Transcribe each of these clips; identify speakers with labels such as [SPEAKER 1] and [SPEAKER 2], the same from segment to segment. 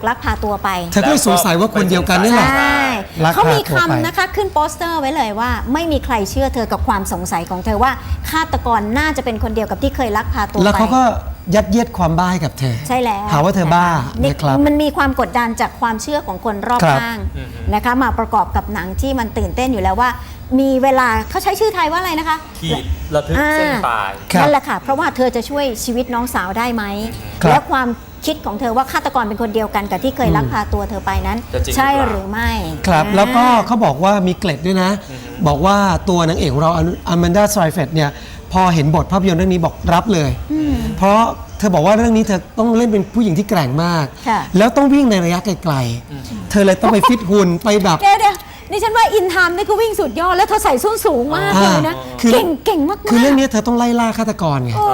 [SPEAKER 1] ลักพาตัวไป
[SPEAKER 2] เธอก็เลยสงสัยว่าคนเดียวกันนี่แหละ
[SPEAKER 1] ใช่
[SPEAKER 2] ลักพาตัวไป
[SPEAKER 1] เขามีคำนะคะขึ้นโปสเตอร์ไว้เลยว่าไม่มีใครเชื่อเธอกับความสงสัยของเธอว่าฆาตกรน่าจะเป็นคนเดียวกับที่เคยลักพาตัวไป
[SPEAKER 2] แล้วเขาก็ยัดเยียดความบ้าให้กับเธอ
[SPEAKER 1] ใช่แล้ว
[SPEAKER 2] หาว่าเธอบ้า
[SPEAKER 1] นี่
[SPEAKER 2] นะครับ
[SPEAKER 1] มันมีความกดดันจากความเชื่อของคนรอบ
[SPEAKER 2] ครับ
[SPEAKER 1] ข้างนะคะมาประกอบกับหนังที่มันตื่นเต้นอยู่แล้วว่า มีเวลาเขาใช้ชื่อไทยว่าอะไรนะคะ
[SPEAKER 3] ขีดระทึกเส้นตาย
[SPEAKER 2] ครับ
[SPEAKER 1] นั่นแหละค่ะเพราะว่าเธอจะช่วยชีวิตน้องสาวได้ไหม
[SPEAKER 2] ครับ
[SPEAKER 1] และความคิดของเธอว่าฆาตกรเป็นคนเดียวกันกับที่เคยลักพาตัวเธอไปนั้น
[SPEAKER 3] จะจริง
[SPEAKER 1] ใช่
[SPEAKER 3] หรือเปล่า
[SPEAKER 1] หรือไม่
[SPEAKER 2] ครับแล้วก็เขาบอกว่ามีเกล็ดด้วยนะ บอกว่าตัวนางเอกของเราอแมนดาไซเฟตเนี่ยพอเห็นบทภาพยนตร์เรื่องนี้บอกรับเลย เพราะเธอบอกว่าเรื่องนี้เธอต้องเล่นเป็นผู้หญิงที่แกร่งมาก
[SPEAKER 1] ค่ะ
[SPEAKER 2] แล้วต้องวิ่งในระยะไกลๆเธอเลยต้องไปฟิตหุ่นไปแบบ
[SPEAKER 1] เดี๋ยวนี่ฉันว่าอินไทม์นี่คือวิ่งสุดยอดแล้วเธอใส่ส้นสูงมากเลยนะ
[SPEAKER 2] คือ
[SPEAKER 1] เก่งมากๆ
[SPEAKER 2] คือเรื่องนี้เธอต้องไล่ล่าฆาตกรไง
[SPEAKER 1] โอ้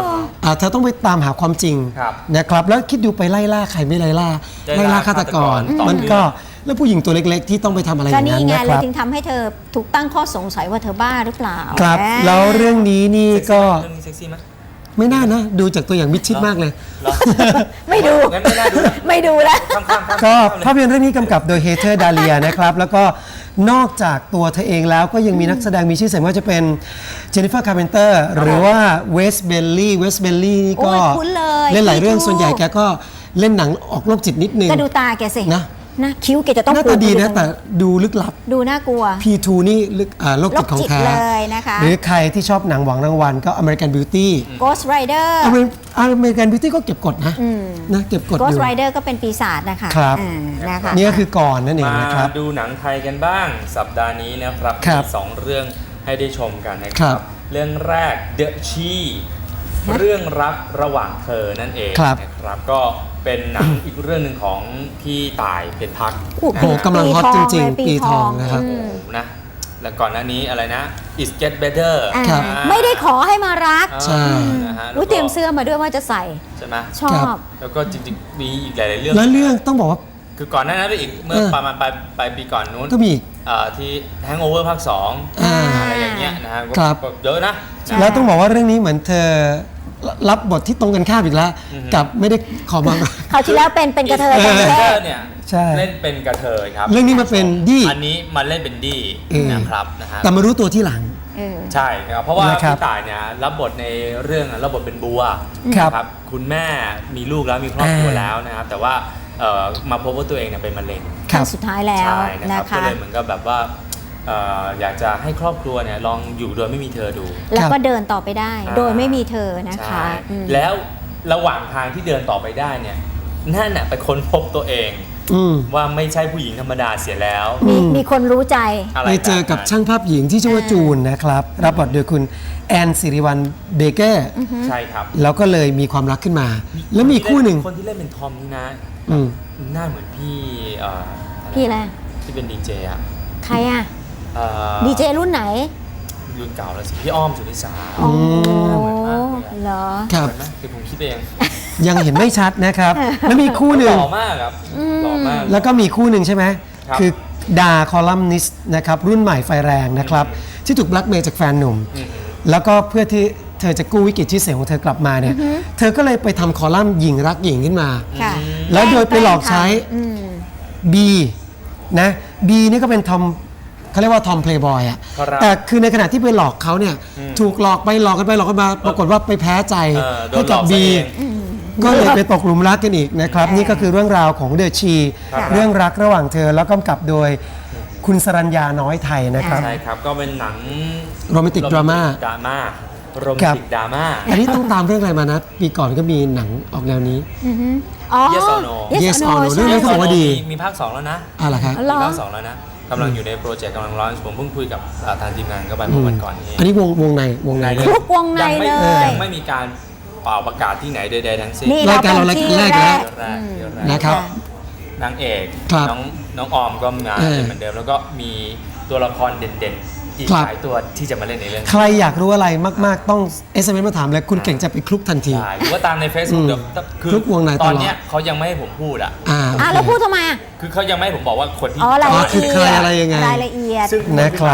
[SPEAKER 2] เธอต้องไปตามหาความจริง
[SPEAKER 3] ครับ
[SPEAKER 2] นะครับแล้วคิดดูไปไล่ล่าใครไม่ไล่ล่า
[SPEAKER 3] ไล่ล่า
[SPEAKER 2] ฆาตกร
[SPEAKER 3] ฆาตกรต่อ
[SPEAKER 2] มัน
[SPEAKER 3] เนื่อง
[SPEAKER 2] ก็แล้วผู้หญิงตัวเล็กๆ ที่ต้องไปทำอะไรอ
[SPEAKER 1] ก็
[SPEAKER 2] ย่าง
[SPEAKER 1] นี่
[SPEAKER 2] นั้น
[SPEAKER 1] ไง
[SPEAKER 2] นะค
[SPEAKER 1] เลย
[SPEAKER 2] รับ
[SPEAKER 1] ถึงทำให้เธอถูกตั้งข้อสงสัยว่าเธอบ้าหรือเปล่า
[SPEAKER 2] ครับ
[SPEAKER 1] แหม
[SPEAKER 2] แล้วเรื่องนี้นี่ก็
[SPEAKER 3] เรื่องนี้เซ็กซี่ไหม
[SPEAKER 2] ไม่น่านะ ดูจากตัวอย่างมิดชิดมากเลย
[SPEAKER 3] เหรอ
[SPEAKER 1] ไม่ดู
[SPEAKER 3] งั้นไม่น่าดูนะ
[SPEAKER 1] ไม่ดูแล้ว
[SPEAKER 3] ข้ามๆ
[SPEAKER 2] ก็
[SPEAKER 3] เลย
[SPEAKER 2] ภาพยนตร์เรื่องนี้กำกับโดยเฮเธอร์ดาเลียนะครับ แล้วก็นอกจากตัวเธอเองแล้วก็ยังมีนักแสดงมีชื่อเสียงว่าจะเป็นเจนนิเฟอร์คาร์เพนเตอร์หรือว่าเวสเบลลี่นี่ก็
[SPEAKER 1] โอ้ยคุ้นเลย
[SPEAKER 2] เล่นหลายเรื่อง
[SPEAKER 1] พี่ทู
[SPEAKER 2] ส่วนใหญ่แกก็เล่นหนังออกโรคจิตนิดนึง
[SPEAKER 1] ก็ดูตาแกสิ
[SPEAKER 2] นะ
[SPEAKER 1] นะคิ้วแกจะต้อง
[SPEAKER 2] หน้า
[SPEAKER 1] ปู
[SPEAKER 2] ตาดีนะ
[SPEAKER 1] ขึ้
[SPEAKER 2] แต่ดูลึกลับ
[SPEAKER 1] ดูน่ากลัว
[SPEAKER 2] P2 นี่ลึกโรคจิตของแท้
[SPEAKER 1] โรคจิตเลยนะคะ
[SPEAKER 2] หรือใครที่ชอบหนังหวังรางวัลก็ American Beauty
[SPEAKER 1] Ghost Rider
[SPEAKER 2] American Beauty ก็เก็บกดนะเก็บกดอยู่
[SPEAKER 1] Ghost Rider ก็เป็นปีศาจนะคะ
[SPEAKER 2] ครับ
[SPEAKER 1] นะคะ
[SPEAKER 2] นี่ก็คือก่อนนั่นเอง
[SPEAKER 3] มา
[SPEAKER 2] นะครับ
[SPEAKER 3] ดูหนังไทยกันบ้างสัปดาห์นี้นะครับ
[SPEAKER 2] ครับ
[SPEAKER 3] มี2เรื่องให้ได้ชมกันนะค
[SPEAKER 2] ครั
[SPEAKER 3] รับ บ เรื่องแรก The Chi เรื่องรักระหว่างเธอนั่นเอง
[SPEAKER 2] ครับ
[SPEAKER 3] นะครับก็เป็นหนังอีกเรื่องหนึ่งของพี่ต่ายเป็นพัก
[SPEAKER 1] โอ้โห
[SPEAKER 2] โอ้โหกำลังฮอตจริงๆ
[SPEAKER 1] ปี
[SPEAKER 2] ปี
[SPEAKER 1] ท
[SPEAKER 2] ท
[SPEAKER 1] อ
[SPEAKER 2] อง งนะครับ
[SPEAKER 3] โอ้โหนะแล้วก่อนหน้านี้อะไรนะ It Get Better
[SPEAKER 2] ครับ
[SPEAKER 1] ไม่ได้ขอให้มารัก
[SPEAKER 2] ใช่
[SPEAKER 3] นะฮะ
[SPEAKER 1] รู้เตรียมเสื้อมาด้วยว่าจะใส่
[SPEAKER 3] ใช่ไหม
[SPEAKER 1] ชอบ
[SPEAKER 3] แล้วก็จริงๆมีอีกหลายๆเรื่อง
[SPEAKER 2] แล้วเรื่องต้องบอกว่า
[SPEAKER 3] คือก่อนหน้านั้นไปอีกเมื่อประมาณปลายปีก่อนนู้น
[SPEAKER 2] ก็มีอีก
[SPEAKER 3] ที่ Hangover ภาค
[SPEAKER 2] อ่า
[SPEAKER 3] 2อะไรอย่างเงี้ยนะฮะ
[SPEAKER 2] ครับ
[SPEAKER 3] ก็เยอะนะ
[SPEAKER 2] แล้วต้องบอกว่าเรื่องนี้เหมือนเธอรับบทที่ตรงกันข้ามอีกแล้ว กับไม่ได้ขอมา
[SPEAKER 1] คราวที่แล้วเป็นกระเทย
[SPEAKER 3] เอ
[SPEAKER 1] กัน
[SPEAKER 3] อ
[SPEAKER 1] แรก
[SPEAKER 3] เนี่ย
[SPEAKER 2] ใช่
[SPEAKER 3] เล่นเป็นกระเทยครับ
[SPEAKER 2] เรื่องนี้มาเป็นดี้
[SPEAKER 3] อันนี้มาเล่นเป็นดี้
[SPEAKER 2] เออ
[SPEAKER 3] นะครับนะฮะ
[SPEAKER 2] แต่มารู้ตัวที่หลัง
[SPEAKER 3] ใช่ครับเพราะว่า
[SPEAKER 2] นะครับ
[SPEAKER 3] พี่ต่ายเนี่ยรับบทในเรื่องรับบทเป็นบัว
[SPEAKER 2] ครับ
[SPEAKER 3] นะคุณแม่มีลูกแล้วมีครอบครัวแล้วนะครับแต่ว่ามาพบว่าตัวเองเนี่ยเป็นมะเร็ง
[SPEAKER 2] ครั
[SPEAKER 1] ขั้
[SPEAKER 2] บ
[SPEAKER 1] นสุดท้ายแล้ว
[SPEAKER 3] ใช่นะค
[SPEAKER 1] นะ
[SPEAKER 3] รับก็
[SPEAKER 1] คะ
[SPEAKER 3] เลยเหมือนกับแบบว่าอยากจะให้ครอบครัวเนี่ยลองอยู่โดยไม่มีเธอดู
[SPEAKER 1] แล้วก็เดินต่อไปได้
[SPEAKER 3] อ่า
[SPEAKER 1] โดยไม่มีเธอนะคะ
[SPEAKER 3] ใช่
[SPEAKER 1] อืม
[SPEAKER 3] แล้วระหว่างทางที่เดินต่อไปได้เนี่ยนั่นน่ะไปค้นพบตัวเอง
[SPEAKER 2] อืม
[SPEAKER 3] ว่าไม่ใช่ผู้หญิงธรรมดาเสียแล้ว
[SPEAKER 1] มีคนรู้ใจ
[SPEAKER 3] อะไร
[SPEAKER 2] ไปเจอกับช่างภาพหญิงที่ชื่อว่าจูนนะครับ รับบทโดยคุณแอนสิริวัลเบเกอร์
[SPEAKER 3] ใช่ครับ
[SPEAKER 2] แล้วก็เลยมีความรักขึ้นมา แล้วมีคู่หนึ่ง
[SPEAKER 3] คนที่เล่นเป็นทอมนี่นะ
[SPEAKER 2] อืม
[SPEAKER 3] หน้าเหมือนพี่ะ
[SPEAKER 1] พี่อะไร
[SPEAKER 3] ที่เป็นดีเจอ่ะ
[SPEAKER 1] ใครอะ
[SPEAKER 3] เอ่อ
[SPEAKER 1] ดีเจรุ่นไหน
[SPEAKER 3] รุ่นเก่าแล้วสิพี่อ้อมสุนิสา
[SPEAKER 1] โอ้
[SPEAKER 3] เหมือนมากเลยอะ
[SPEAKER 1] เหรอ
[SPEAKER 2] ครับ
[SPEAKER 3] เหมือนไหมคือผมคิดเอง
[SPEAKER 2] ยังเห็นไม่ชัดนะครับ แล้วมีคู่หนึ่
[SPEAKER 3] ห
[SPEAKER 2] ง
[SPEAKER 3] ล่อมากครับหล่อมาก
[SPEAKER 2] แล้วก็มีคู่หนึ่งใช่ไหม
[SPEAKER 3] ครับ
[SPEAKER 2] คือดาคอลัมนิสต์นะครับรุ่นใหม่ไฟแรงนะครับ ที่ถูกแบล็กเมย์จากแฟนหนุ่ม แล้วก็เพื่อที่เธอจะกู้วิกฤตชื่อเสียงของเธอกลับมาเนี่ย เธอก็เลยไปทำคอลัมน์หญิงรักหญิงขึ้นมา
[SPEAKER 1] ค่ะ
[SPEAKER 2] แล้วโดยไปหลอกใช้
[SPEAKER 1] อืม
[SPEAKER 2] B นะ B นี่ก็เป็นทอมเขาเรียกว่าทอมเพลย์บอยอะ
[SPEAKER 3] ครับ
[SPEAKER 2] แต่คือในขณะที่ไปหลอกเขาเนี่ยถูกหลอกไปหลอกกันไปหลอกกันมา ปรากฏว่าไปแพ้ใจ
[SPEAKER 3] โด
[SPEAKER 2] ให้
[SPEAKER 3] นหล
[SPEAKER 2] กั
[SPEAKER 3] อบ ก
[SPEAKER 2] B
[SPEAKER 3] ซะเอง
[SPEAKER 2] ก็เลยไปตกหลุมรักกันอีกนะครับ นี่ก็คือเรื่องราวของเดอะชี
[SPEAKER 3] ครับ
[SPEAKER 2] เรื่องรักระหว่างเธอแล้วกำกับโดยคุณสรัญญาน้อยไทยนะครับ
[SPEAKER 3] ใช่ครับก็เป็นหนัง
[SPEAKER 2] โรแมนติกดราม่า
[SPEAKER 3] ดราม่าโรแมน
[SPEAKER 2] ครับ
[SPEAKER 3] ติกดราม่า
[SPEAKER 2] อันนี้ต้องตามเรื่องอะไรมานะ ปีก่อนก็มีหนังออกแนวนี้
[SPEAKER 1] อ๋อ
[SPEAKER 3] Yes or No
[SPEAKER 2] Yes or No
[SPEAKER 1] ใช่
[SPEAKER 2] เรื่องนี้เขาบอกว่าดี
[SPEAKER 3] มีภาค 2 แล้วนะ
[SPEAKER 2] อะไรครับ
[SPEAKER 1] เหรอ
[SPEAKER 3] มีภาค 2 แล้วนะกำลังอยู่ในโปรเจกต์กำลังร้อนผมเพิ่งคุยกับทางทีมงานก็ไปเมื่อวันก่อนนี้
[SPEAKER 2] อันนี้วงในเลย
[SPEAKER 1] คลุกวงใน
[SPEAKER 3] ยังไม่
[SPEAKER 1] เลย
[SPEAKER 3] ยังไม่มีการเป่าประกาศที่ไหนใดๆทั้งสิ้น
[SPEAKER 1] นี่
[SPEAKER 2] รายการเรา
[SPEAKER 1] ป็นที่
[SPEAKER 2] รายการแรก
[SPEAKER 3] เดี๋ยวแรกเดี๋ยวแรก
[SPEAKER 2] นะครับ
[SPEAKER 3] นางเอก
[SPEAKER 2] ครับ
[SPEAKER 3] น้องออมก็มา
[SPEAKER 2] เออ
[SPEAKER 3] เหมือนเดิมแล้วก็มีตัวละครเด่นๆอีก
[SPEAKER 2] ครับ
[SPEAKER 3] หลายตัวที่จะมาเล่นในเรื่อง
[SPEAKER 2] ใครอยากรู้อะไรมาก ๆ ต้อง SMS มาถามเลยคุณเก่งจะไปคลุกทันที
[SPEAKER 3] ใช่หรือว่าตามใน Facebook เดี๋ยวคือ
[SPEAKER 2] ทุกวงในตลอด
[SPEAKER 3] ตอนเนี้ยเขายังไม่ให้ผมพูดอ่ะ
[SPEAKER 1] อ่ะแล้วพูดทำไมอ่ะ
[SPEAKER 3] คือเขายังไม่ให้ผมบอกว่าคนที่
[SPEAKER 1] อ๋อราย
[SPEAKER 2] อ๋อ
[SPEAKER 1] ละ
[SPEAKER 2] คือ
[SPEAKER 1] เอี
[SPEAKER 2] ใคร
[SPEAKER 1] ยด
[SPEAKER 2] อะไรยังไง
[SPEAKER 1] รายละเอียด
[SPEAKER 3] ซึ่ง
[SPEAKER 2] นะครับ
[SPEAKER 3] เนี่ย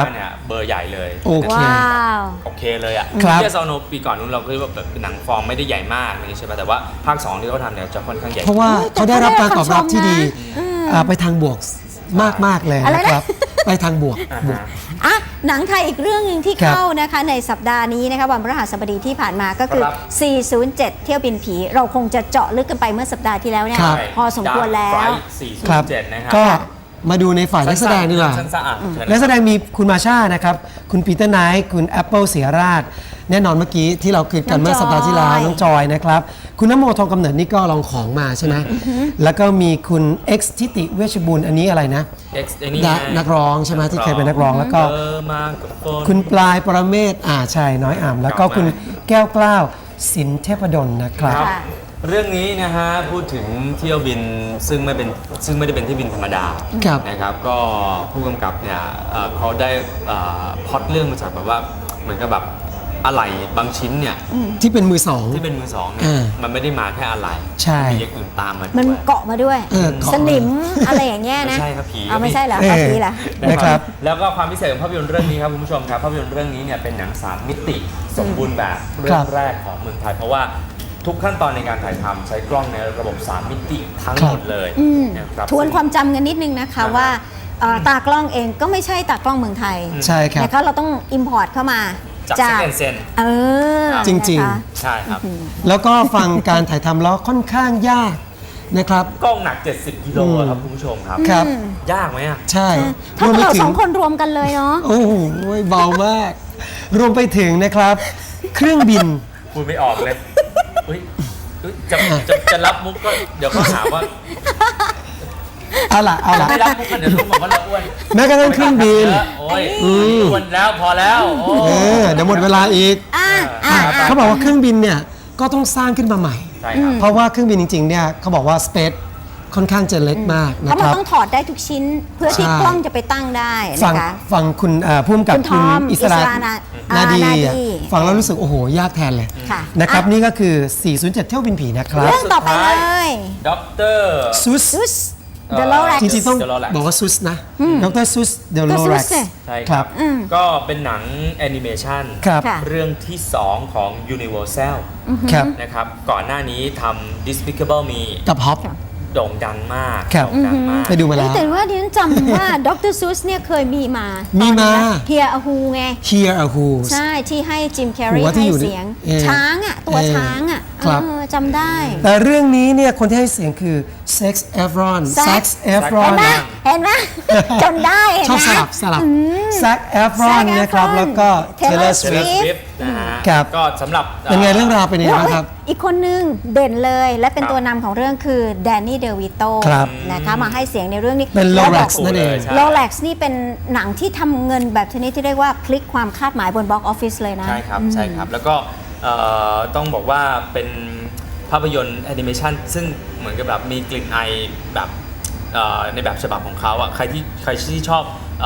[SPEAKER 3] เบอร์ใหญ่เลย
[SPEAKER 2] โอเค
[SPEAKER 1] ว้าว
[SPEAKER 3] โอเคเลยอ่ะ
[SPEAKER 2] ครับ
[SPEAKER 3] เทียซาวโนปีก่อนนู้นเราก็แบบหนังฟอร์มไม่ได้ใหญ่มากนี่ใช่ป่ะแต่ว่าภาค 2 ที่เขาทำเนี่ยจะค่อนข้างใหญ่
[SPEAKER 2] เพราะว่าเขาได้รับการตอบรับที่ดี
[SPEAKER 1] อืม
[SPEAKER 2] ไปทางบวกมากๆเลย
[SPEAKER 1] อะไร
[SPEAKER 2] นะ
[SPEAKER 1] นะ
[SPEAKER 2] ครับ ไปทางบวก
[SPEAKER 3] อ่า
[SPEAKER 2] บวก
[SPEAKER 3] ฮะ
[SPEAKER 1] อ่ะหนังไทยอีกเรื่องหนึ่งที่
[SPEAKER 2] ครับ
[SPEAKER 1] เข้านะคะในสัปดาห์นี้นะคะวันพฤหัสบดีที่ผ่านมาก็คือ
[SPEAKER 3] ครับ
[SPEAKER 1] 407 เที่ยวบินผี เราคงจะเจาะลึกกันไปเมื่อสัปดาห์ที่แล้วเนี่ย
[SPEAKER 2] ครับ
[SPEAKER 1] พอสมควรแล้ว
[SPEAKER 3] Dark Flight
[SPEAKER 2] ครับ
[SPEAKER 3] 407 นะครับ
[SPEAKER 2] ก็มาดูในฝ่ายนักแสดงดีกว่า
[SPEAKER 3] สั้นๆอ่ะเชิญ
[SPEAKER 2] นัก
[SPEAKER 3] นะ
[SPEAKER 2] แสดงมีคุณมาชานะครับ คุณปีเตอร์ไนท์คุณแอปเปิลเสียราช แน่นอนเมื่อกี้ที่เราคุยกันเมื่อสัปดาห์ที่แล้ว น้องจอยนะครับ คุณน้ำโมทองกำเนิดนี่ก็ลองของมาใช่ไหมแล้วก็มีคุณเอ็กซ์ทิติเวชบุญอันนี้อะไรนะ
[SPEAKER 3] X ไอ้นี่
[SPEAKER 2] นักร้องใช่ไหมที่เคยเป็นนักร้องแล้วก็
[SPEAKER 3] มากับฝน
[SPEAKER 2] คุณปลายปรเมศใช่น้อยอ่ำแล้วก็คุณแก้วกล้าวสินเทพดลนะครับ
[SPEAKER 3] ครับ
[SPEAKER 1] ค่ะ
[SPEAKER 3] เรื่องนี้นะฮะพูดถึงเที่ยวบินซึ่งไม่ได้เป็นเที่ยวบินธรรมดา
[SPEAKER 2] ครับ
[SPEAKER 3] นะครับก็ผู้กำกับเนี่ยเขาได้พล็อตเรื่องมาจากแบบว่าเหมือนกับแบบอะไหล่บางชิ้นเนี่ย
[SPEAKER 2] ที่เป็นมือสอง
[SPEAKER 3] ที่เป็นมือสองเนี่ย มันไม่ได้มาแค่อะไหล่
[SPEAKER 2] ใช่
[SPEAKER 3] มีอย่างอื่นตามมา
[SPEAKER 1] มัน
[SPEAKER 3] ด้วย
[SPEAKER 1] เกาะมาด้วย
[SPEAKER 2] เออเกาะมา
[SPEAKER 1] สนิมอะไรอย่างเงี้ยนะ
[SPEAKER 3] ไม่ใช่ครับผี
[SPEAKER 1] เอาไม่ใช่เหรอ
[SPEAKER 2] เออ
[SPEAKER 1] เอาผีเหรอ
[SPEAKER 2] นะครับ
[SPEAKER 3] แล้วก็ความพิเศษของภาพยนตร์เรื่องนี้ครับคุณผู้ชมครับภาพยนตร์เรื่องนี้เนี่ยเป็นหนัง3 มิติสมบูรณ์แบบเรื่
[SPEAKER 2] ค
[SPEAKER 3] อ
[SPEAKER 2] รั
[SPEAKER 3] ง
[SPEAKER 2] บ
[SPEAKER 3] แรกของเมืองไทย เพราะว่าทุกขั้นตอนในการถ่ายทำใช้กล้องในระบบ 3 มิติทั้งหมดเลย
[SPEAKER 1] อืม
[SPEAKER 3] นะครับ
[SPEAKER 1] ทวนความจำกันนิดนึงนะคะว่าตากล้องเองก็ไม่ใช่ตากล้องเมืองไทย
[SPEAKER 2] ใช่ครับ
[SPEAKER 1] นะคะเราต้องอิมพอร์ตเข้ามา
[SPEAKER 3] จากเซน
[SPEAKER 1] เออ
[SPEAKER 2] จริงๆ
[SPEAKER 1] นะคะ
[SPEAKER 3] ใช่ครับ
[SPEAKER 2] แล้วก็ฟังการถ่ายทำแล้วค่อนข้างยากนะครับ
[SPEAKER 3] กล้องหนัก 70 กิโลครับคุณผู้ชมครับ
[SPEAKER 2] ครับ
[SPEAKER 3] ยากไหมอ่ะ
[SPEAKER 2] ใช่
[SPEAKER 1] ถ้าร
[SPEAKER 2] วมไป
[SPEAKER 1] เรา
[SPEAKER 2] ถึ
[SPEAKER 1] สอง งคนรวมกันเลยเนาะ
[SPEAKER 2] โอ้โหเบามาก รวมไปถึงนะครับ เครื่องบิน
[SPEAKER 3] พูดไม่ออกเลยอุ๊ยจะรับมุกก็เดี๋ยวเขาหาว่า
[SPEAKER 2] เอาล่ะ
[SPEAKER 3] ไม่รับมุกกันเดี๋ยวรู้บอกว่าเราอ้วน
[SPEAKER 2] แม้กระทั่งเครื่องบิน
[SPEAKER 3] โอ้ยอ้วนแล้วพอแล้วโอ้
[SPEAKER 2] เดี๋ยวหมดเวลาอีก เขาบอกว่าเครื่องบินเนี่ยก็ต้องสร้างขึ้นมาใหม่
[SPEAKER 3] ใช่ครับ
[SPEAKER 2] เพราะว่าเครื่องบินจริงๆเนี่ยเขาบอกว่าสเปซค่อนข้างจะเล็กมาก
[SPEAKER 1] เพ
[SPEAKER 2] นะ
[SPEAKER 1] ราะ
[SPEAKER 2] ค
[SPEAKER 1] มัน
[SPEAKER 2] รับ
[SPEAKER 1] ต้องถอดได้ทุกชิ้นเพื่อที่
[SPEAKER 2] ใช่
[SPEAKER 1] กล้องจะไปตั้งได้
[SPEAKER 2] ฟัง
[SPEAKER 1] นะคะ
[SPEAKER 2] ฟังคุณผู้กำกับ
[SPEAKER 1] คุณท
[SPEAKER 2] คุณ
[SPEAKER 1] อม
[SPEAKER 2] อิสรา
[SPEAKER 1] นาดี
[SPEAKER 2] นาดี
[SPEAKER 1] นาดี
[SPEAKER 2] ฟังแล้วรู้สึกโอ้โหยากแทนเลย
[SPEAKER 1] ค่ะ
[SPEAKER 2] นะครับ
[SPEAKER 1] อ่ะ
[SPEAKER 2] นี่ก็คือ 407 เที่ยวบินผีนะครับ
[SPEAKER 1] เรื่องต่อไปเลย
[SPEAKER 3] ด็อกเตอร์
[SPEAKER 2] ซุส
[SPEAKER 1] ซุสเดอะโลแร็ก
[SPEAKER 2] จริงๆต้อง
[SPEAKER 3] The Lorax
[SPEAKER 2] บอกว่าซุสนะดรซุสเดล
[SPEAKER 1] ก็
[SPEAKER 2] โล
[SPEAKER 1] ซุ
[SPEAKER 2] แร็
[SPEAKER 1] ส
[SPEAKER 2] ก
[SPEAKER 1] เนี่ย
[SPEAKER 3] ใช่
[SPEAKER 2] ค
[SPEAKER 3] ค
[SPEAKER 2] รั
[SPEAKER 3] รับ บ ก็เป็นหนังแอนิเมชัน
[SPEAKER 2] ครับ
[SPEAKER 1] ค่ะ
[SPEAKER 3] เรื่องที่ 2 ของ Universal
[SPEAKER 2] ครับ
[SPEAKER 3] นะครับ ก่อนหน้านี้ทำ Despicable Me
[SPEAKER 2] กับฮอป
[SPEAKER 3] โด่งดังมาก
[SPEAKER 2] ครับ
[SPEAKER 3] โด่งดังมาก
[SPEAKER 2] ไปดูมาแล้ว
[SPEAKER 1] แต่ว่าดิฉันจำว่าดรซุสเนี่ยเคยมีมา
[SPEAKER 2] มี
[SPEAKER 1] มี
[SPEAKER 2] มา
[SPEAKER 1] เฮียอาฮูไง
[SPEAKER 2] Here are Who's
[SPEAKER 1] ใช่ที่ให้จิมแคร์รี
[SPEAKER 2] หัวที่
[SPEAKER 1] ให้
[SPEAKER 2] อยู่ใน
[SPEAKER 1] เสียง ช้างอ่ะ ตัวช้างอ่ะ
[SPEAKER 2] ครับ
[SPEAKER 1] จำได้
[SPEAKER 2] แต่เรื่องนี้เนี่ยคนที่ให้เสียงคือ Sex Efron
[SPEAKER 1] Zac
[SPEAKER 2] Efron
[SPEAKER 1] เห็นไหมเห็นไหมจนได้เห็น
[SPEAKER 2] ชอบ
[SPEAKER 1] ไหม
[SPEAKER 2] สลับZac Efron
[SPEAKER 1] Zac
[SPEAKER 2] นะครับ
[SPEAKER 1] Efron
[SPEAKER 2] แล้วก็
[SPEAKER 1] Taylor
[SPEAKER 2] Taylor
[SPEAKER 3] Taylor
[SPEAKER 2] Swift
[SPEAKER 3] Swift นะฮะ
[SPEAKER 2] ครับ
[SPEAKER 3] ก็สำหรับ
[SPEAKER 2] เป็นไงเรื่องราวเป็นยังไงบ้างครับ
[SPEAKER 1] อีกคนนึงเด่นเลยและเป็น
[SPEAKER 3] ครับ
[SPEAKER 1] ตัวนำของเรื่องคือแดนนี่เดวิโต
[SPEAKER 2] ครับ
[SPEAKER 1] นะคะมาให้เสียงในเรื่องนี้
[SPEAKER 2] เป็น
[SPEAKER 1] แล้วบอก
[SPEAKER 2] Lorax นั่นเอง
[SPEAKER 3] ใช่
[SPEAKER 1] โรเล็กซ์นี่เป็นหนังที่ทำเงินแบบชนิดที่เรียกว่าพลิกความคาดหมายบนบ็อกออฟฟิศเลยนะ
[SPEAKER 3] ใช่ครับ ใช่ครับ แล้วก็ต้องบอกว่าเป็นภาพยนตร์แอนิเมชันซึ่งเหมือนกับแบบมีกลิ่นไอแบบในแบบฉบับของเขาอ่ะใครที่ชอบ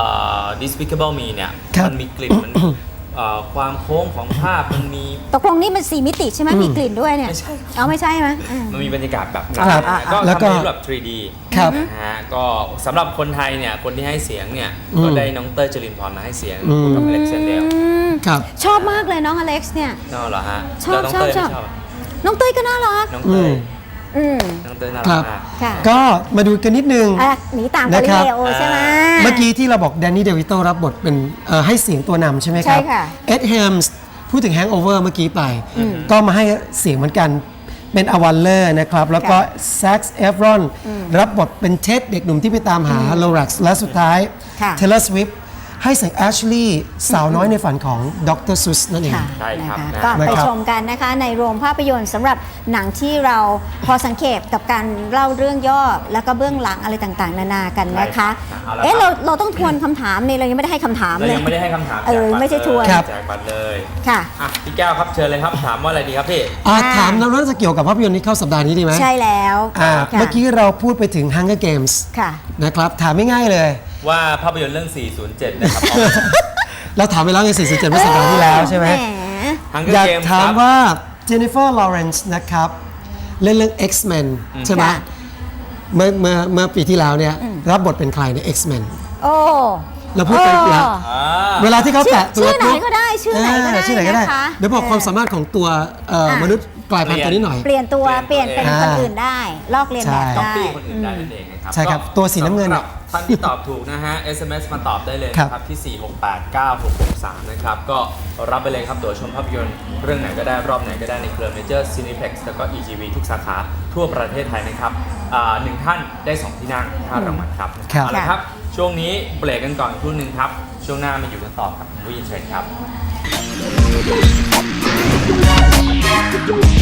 [SPEAKER 3] Despicable Me เนี่ย
[SPEAKER 2] ครับ
[SPEAKER 3] มันมีกลิ่นมันความโค้งของภาพมันมี
[SPEAKER 1] ตกลงนี่มัน4 มิติใช่ไหมมีกลิ่นด้วยเนี่ย
[SPEAKER 3] ไม่ใช่
[SPEAKER 1] เอาไม่ใช่ไหมอืม
[SPEAKER 3] มันมีบรรยากาศแบบ
[SPEAKER 2] ครับ
[SPEAKER 3] ก็
[SPEAKER 2] แล้วก็
[SPEAKER 3] ทำในรูปแบบ 3D
[SPEAKER 2] ครับ
[SPEAKER 3] นะฮะก็สำหรับคนไทยเนี่ยคนที่ให้เสียงเนี่ยก็ได้น้องเต้ยจรินพรมาให้เสียงคู่กับอเล็กซานเดล
[SPEAKER 2] ครับ
[SPEAKER 1] ชอบมากเลยน้องอเล็กซ์เนี่ย
[SPEAKER 3] น่าเหรอฮะ
[SPEAKER 1] ชอบ
[SPEAKER 3] แล้วน้องเต้ย
[SPEAKER 1] ชอบ
[SPEAKER 3] ไม่ชอบ
[SPEAKER 1] น้องเต้ยก็น่ารัก
[SPEAKER 3] น้องเต้ย
[SPEAKER 1] อืม
[SPEAKER 3] น้องเต้ยน่า
[SPEAKER 2] ค
[SPEAKER 3] รั
[SPEAKER 2] รั
[SPEAKER 3] ก
[SPEAKER 2] บ
[SPEAKER 3] มาก
[SPEAKER 1] ค่ะ
[SPEAKER 2] ก็มาดูกันนิดนึง
[SPEAKER 1] หนีตาม
[SPEAKER 2] นะ
[SPEAKER 1] กาลิ
[SPEAKER 2] ครับ
[SPEAKER 1] เลโอใช่ไหม
[SPEAKER 2] เมื่อกี้ที่เราบอกแดนนี่เดวิโตรับบทเป็นให้เสียงตัวนำใช่ไหมครับ
[SPEAKER 1] ใช่ค่ะ
[SPEAKER 2] เอ็ดแฮมส์พูดถึง Hangover เมื่อกี้ไป ก็มาให้เสียงเหมือนกันเป็นอวัลเลอร์นะครับ แล้วก็แซ็กซ์เอฟรอนรับบทเป็นเท็ดเด็กหนุ่มที่ไปตามหาโลรักซ์และสุดท้าย
[SPEAKER 1] ค่ะ
[SPEAKER 2] เทเลอร์สวิฟให้เสียงแอชลีย์สาวน้อยในฝันของดรซุสนั่นเอง
[SPEAKER 1] ค่ะ
[SPEAKER 3] ใช่ครับ
[SPEAKER 1] นะคะ
[SPEAKER 3] นะ
[SPEAKER 1] ก็ไป
[SPEAKER 2] นะครับ
[SPEAKER 1] ชมกันนะคะในโรงภาพยนตร์สำหรับหนังที่เราพอสังเกตกับการเล่าเรื่องย่อแล้วก็เบื้องหลังอะไรต่างๆ นานากันนะคะ
[SPEAKER 3] ใช่ครับเอาละครับ
[SPEAKER 1] เราต้องทวนคำถามนี่เรายังไม่ได้ให้คำถาม
[SPEAKER 3] เรา
[SPEAKER 1] เลย
[SPEAKER 3] ยังไม่ได้ให้คำถาม
[SPEAKER 1] เออไม่ใช่ทวน
[SPEAKER 2] ครับ
[SPEAKER 3] แจกบัตรเลย
[SPEAKER 1] ค่ะ
[SPEAKER 3] อ่ะพี่แก้วครับเชิญเลยครับถามว่าอะไรดีครับพี่
[SPEAKER 2] ถามเราน่าจะเกี่ยวกับภาพยนตร์ที่เข้าสัปดาห์นี้ดีไหม
[SPEAKER 1] ใช่แล้ว
[SPEAKER 2] อ่า
[SPEAKER 1] ค่ะ
[SPEAKER 2] เมื่อกี้เราพูดไปถึง Hunger Games
[SPEAKER 1] ค่ะ
[SPEAKER 2] นะครับถามไม่ง่ายเลย
[SPEAKER 3] ว่าภาพยนตร์เรื่อง 407 นะครับ
[SPEAKER 2] เราถามไปแล้วใน47เมื่อสัปดาห์ที่แล้วใช่ไหม
[SPEAKER 1] แหม
[SPEAKER 3] Hunger
[SPEAKER 2] อยาก
[SPEAKER 3] Games
[SPEAKER 2] ถาม
[SPEAKER 3] ครับ
[SPEAKER 2] ว่าเจนนิเฟอร์ลอเรนซ์นะครับ เล่นเรื่อง X-Men ใช่ไหม
[SPEAKER 1] ค่ะ
[SPEAKER 2] เมื่อปีที่แล้วเนี่ยรับบทเป็นใครใน X-Men
[SPEAKER 1] โอ้
[SPEAKER 2] เราพูดไปแล้ว
[SPEAKER 3] อ่า
[SPEAKER 2] เวลาที่เขาแตะตัว
[SPEAKER 1] ชื่อไหนก็ได้ชื่อไหนก็ได้
[SPEAKER 2] ชื่อไหนก็ได้
[SPEAKER 1] นะคะ
[SPEAKER 2] เดี๋ยวบอกความสามารถของตัวมนุษย์กลายพันธุ์ตัวนี้หน่อย
[SPEAKER 1] เปลี่ยนตัวเป
[SPEAKER 3] เปลี่
[SPEAKER 1] ลี่ย
[SPEAKER 3] ย
[SPEAKER 1] น
[SPEAKER 3] น
[SPEAKER 1] เป็น
[SPEAKER 3] ตัว
[SPEAKER 1] คน
[SPEAKER 2] เอง
[SPEAKER 1] อื่นได้ ลอกเลียนแบบ
[SPEAKER 2] ใช่
[SPEAKER 3] ก๊อป
[SPEAKER 1] ได้
[SPEAKER 3] ปี้คนอื่นได้นั่นเองนะครับ
[SPEAKER 2] ใช่ครับ
[SPEAKER 3] ก็
[SPEAKER 2] ตัวสีน้ำเงิน
[SPEAKER 3] สำห
[SPEAKER 2] เนี่
[SPEAKER 3] รับ
[SPEAKER 2] ย
[SPEAKER 3] ท่านที่ตอบถูกนะฮะ SMS มาตอบได้เลยนะครับที่ 4689663 นะครับ ก็รับไปเลยครับตั๋วชมภาพยนตร์เรื่องไหนก็ได้รอบไหนก็ได้ในเครือ Major Cineplex แล้วก็ EGV ทุกสาขาทั่วประเทศไทยนะครับหนึ่งท่านได้2ที่นั่ง5รางวัลครับ
[SPEAKER 2] ครับ
[SPEAKER 3] เอาละครับ ช่วงนี้เบรกกันก่อนครู่หนึ่งครับ ช่วงหน้ามาอยู่กันต่อกับวินเทรนครับ